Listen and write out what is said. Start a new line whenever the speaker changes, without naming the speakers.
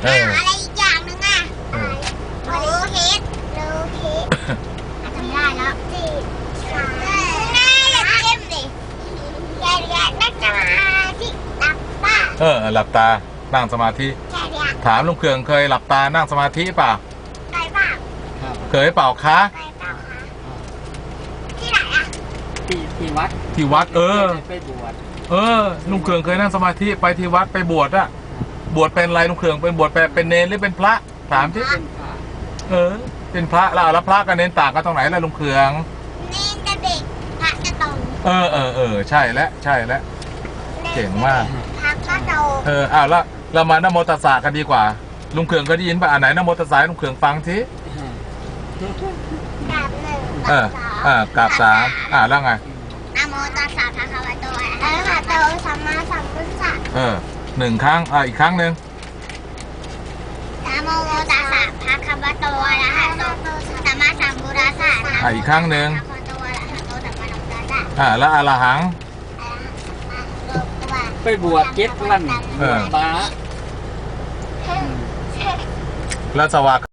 อะไรอีกอย่างนึงอ่ะโลเฮดจำได้แล้วง่ายอย่าเข้มดิอย่านั่งสมาธิหลับตา
หลับตานั่งสมาธิถามลุงเคืองเคยหลับตานั่งสมาธิเปล่า
เคยเปล่า
เคยเปล่าคะ
ที่ไหนอ่ะ
ที่วัด
ที่วัด
ไปบวช
ลุงเคืองเคยนั่งสมาธิไปที่วัดไปบวชอะบวชเป็นอะไรลุงเคืองเป็นบวชเป็นเนรหรือเป็นพระถามที่เป็นพระแล้วพระกับเนรต่างกันตรงไหนล่ะลุงเคือง
เนรจะเด็กพระจะโต
ใช่แล้วเก่งมาก
พระก็โต
แล้วเรามานะโมตัสสะกันดีกว่าลุงเคืองก็ได้ยินป่ะไหนนะโมตัสสะลุงเคืองฟังที
กราบหนึ่ง
กราบสามแล้วไง
นะโมตัสสะภะคะวะโตอะระหะโตสัมมาสัมพุทธัสสะ
1 ครั้งอีกครั้งหนึ่ง
นะโมตัสสะภะคะวะโตอะระหะโตสัมมาสัมพุทธัสสะ
อีกครั้งหนึ่ง
ภะคะวะโตอะระหะโตสัมมาสัมพุทธัสสะ
แล้วอรหัง
ไปบวช7 วันบวชตา
แล้วสวาก